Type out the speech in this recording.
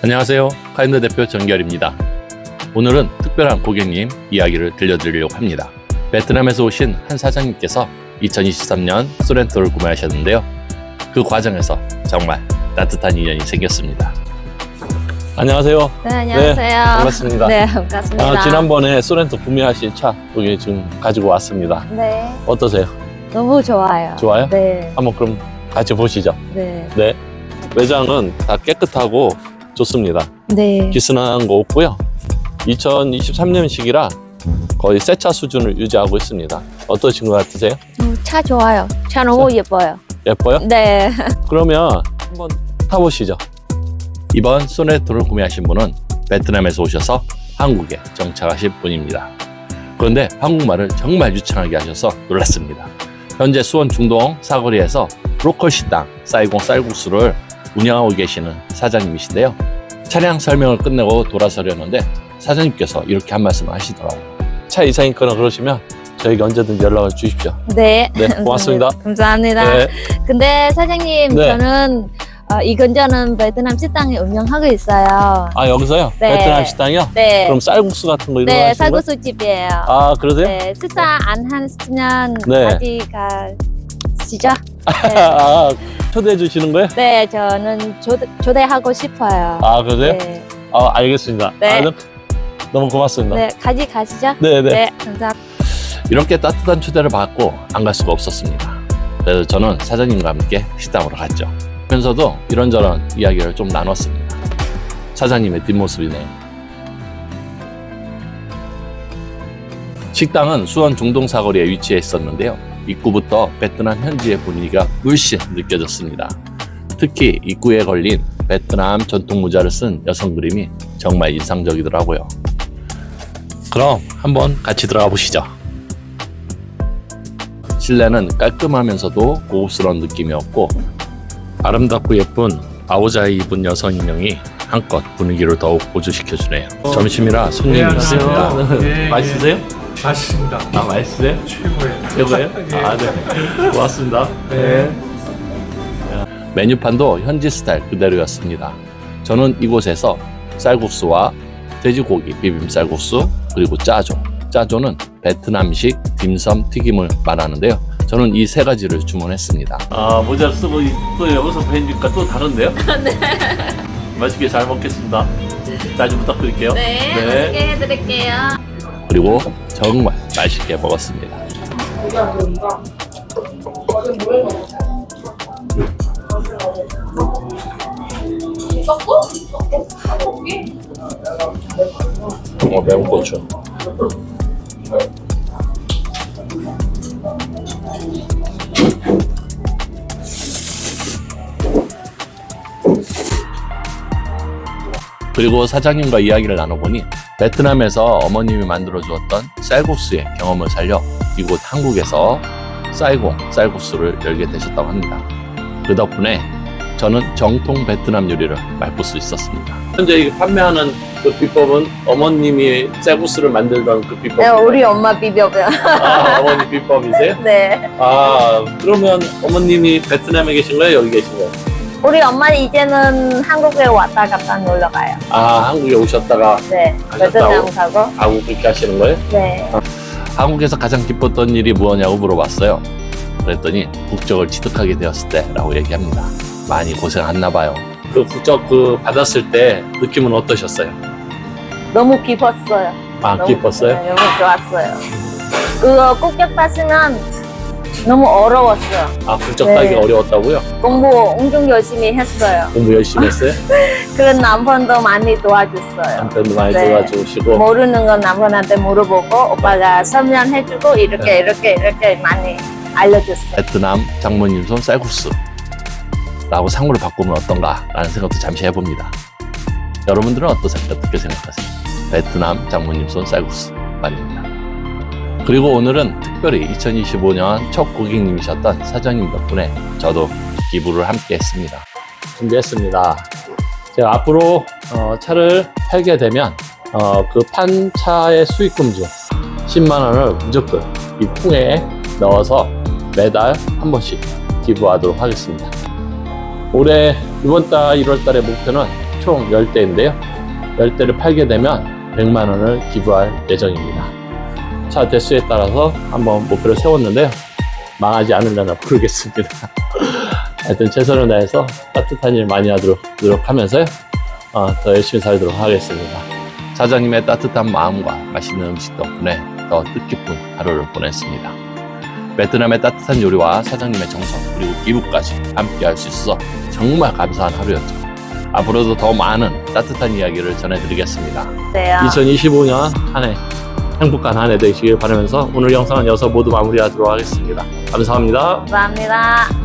안녕하세요. 카인드 대표 정결입니다. 오늘은 특별한 고객님 이야기를 들려드리려고 합니다. 베트남에서 오신 한 사장님께서 2023년 소렌토를 구매하셨는데요. 그 과정에서 정말 따뜻한 인연이 생겼습니다. 안녕하세요. 네, 안녕하세요. 네, 반갑습니다. 네, 반갑습니다. 지난번에 소렌토 구매하신 차 여기 지금 가지고 왔습니다. 네, 어떠세요? 너무 좋아요. 좋아요? 네, 한번 그럼 같이 보시죠. 네, 네. 외장은 다 깨끗하고 좋습니다. 네. 기스난 거 없고요. 2023년식이라 거의 새 차 수준을 유지하고 있습니다. 어떠신 것 같으세요? 차 좋아요. 차 너무 예뻐요. 예뻐요? 네. 그러면 한번 타보시죠. 이번 소렌토를 구매하신 분은 베트남에서 오셔서 한국에 정착하신 분입니다. 그런데 한국말을 정말 유창하게 하셔서 놀랐습니다. 현재 수원 중동 사거리에서 로컬 식당 사이공 쌀국수를 운영하고 계시는 사장님이신데요. 차량 설명을 끝내고 돌아서려는데 사장님께서 이렇게 한 말씀을 하시더라고요. 차 이상이거나 그러시면 저에게 언제든지 연락을 주십시오. 네. 네, 고맙습니다. 감사합니다. 네. 근데 사장님, 네. 저는 이 근처는 베트남 식당에 운영하고 있어요. 아, 여기서요? 네. 베트남 식당이요? 네. 그럼 쌀국수 같은 거 이런 거 네, 하시는 거예요? 쌀국수 집이에요. 아, 그러세요? 네, 식사 안 하시면 네. 어디 가시죠? 네. 아, 초대해 주시는 거예요? 네, 저는 초대하고 싶어요. 아, 그러세요? 네. 아, 알겠습니다. 네. 아, 너무 고맙습니다. 네, 같이 가시죠? 네, 네. 네, 감사합니다. 이렇게 따뜻한 초대를 받고 안 갈 수가 없었습니다. 그래서 저는 사장님과 함께 식당으로 갔죠. 그러면서도 이런저런 이야기를 좀 나눴습니다. 사장님의 뒷모습이네요. 식당은 수원 중동 사거리에 위치해 있었는데요. 입구부터 베트남 현지의 분위기가 물씬 느껴졌습니다. 특히 입구에 걸린 베트남 전통 모자를 쓴 여성 그림이 정말 인상적이더라고요. 그럼 한번 같이 들어가 보시죠. 실내는 깔끔하면서도 고급스러운 느낌이었고 아름답고 예쁜 아오자이 입은 여성 인형이 한껏 분위기를 더욱 고조시켜주네요. 점심이라 손님이 있습니다. 네, 맛있으세요? 맛있습니다. 아, 맛있으세요? 최고예요. 최고예요? 예. 아, 네. 고맙습니다. 네. 메뉴판도 현지 스타일 그대로였습니다. 저는 이곳에서 쌀국수와 돼지고기 비빔 쌀국수 그리고 짜조. 짜조는 베트남식 딤섬 튀김을 말하는데요. 저는 이 세 가지를 주문했습니다. 아, 모자 쓰고 또 여기서 뵈니까 또 다른데요? 네. 맛있게 잘 먹겠습니다. 자주 부탁드릴게요. 네, 맛있게 해드릴게요. 그리고 정말 맛있게 먹었습니다. 매운 고추. 그리고 사장님과 이야기를 나눠보니 베트남에서 어머님이 만들어 주었던 쌀국수의 경험을 살려 이곳 한국에서 쌀공 쌀국수를 열게 되셨다고 합니다. 그 덕분에 저는 정통 베트남 요리를 맛볼 수 있었습니다. 현재 판매하는 그 비법은 어머님이 쌀국수를 만들던 그 비법. 네, 우리 엄마 비벼요. 아, 어머니 비법이세요? 네. 아, 그러면 어머님이 베트남에 계신 거예요? 여기 계신 거예요? 우리 엄마는 이제는 한국에 왔다 갔다 놀러 가요. 아, 한국에 오셨다가 네. 가셨다고? 베트남 가고. 한국 그렇게 하시는 거예요? 네. 한국에서 가장 기뻤던 일이 무엇냐고 물어봤어요. 그랬더니 국적을 취득하게 되었을 때라고 얘기합니다. 많이 고생했나 봐요. 그 국적 받았을 때 느낌은 어떠셨어요? 너무 기뻤어요. 아, 너무, 기뻤어요? 네, 너무 좋았어요. 그거 국적 땄으면 너무 어려웠어요. 아, 국적 네. 따기가 어려웠다고요? 공부 엄청 열심히 했어요. 공부 열심히 했어요? 그런 남편도 많이 도와줬어요. 남편도 많이 네. 도와주시고. 모르는 건 남편한테 물어보고 오빠가 설명해주고 이렇게 많이 알려줬어요. 베트남 장모님 손 쌀국수 라고 상호를 바꾸면 어떤가 라는 생각도 잠시 해봅니다. 여러분들은 어떻게 생각하세요? 베트남 장모님 손 쌀국수 말입니다. 그리고 오늘은 특별히 2025년 첫 고객님이셨던 사장님 덕분에 저도 기부를 함께 했습니다. 준비했습니다. 제가 앞으로 차를 팔게 되면 그 판 차의 수익금 중 10만 원을 무조건 이 통에 넣어서 매달 한 번씩 기부하도록 하겠습니다. 올해 이번 달 1월 달의 목표는 총 10대인데요. 10대를 팔게 되면 100만 원을 기부할 예정입니다. 차 대수에 따라서 한번 목표를 세웠는데요. 망하지 않으려나 모르겠습니다. 하여튼 최선을 다해서 따뜻한 일 많이 하도록 노력하면서요. 더 열심히 살도록 하겠습니다. 사장님의 따뜻한 마음과 맛있는 음식 덕분에 더 뜻깊은 하루를 보냈습니다. 베트남의 따뜻한 요리와 사장님의 정성 그리고 기부까지 함께 할 수 있어서 정말 감사한 하루였죠. 앞으로도 더 많은 따뜻한 이야기를 전해드리겠습니다. 네. 2025년 한 해 행복한 한 해 되시길 바라면서 오늘 영상은 여기서 모두 마무리하도록 하겠습니다. 감사합니다. 감사합니다.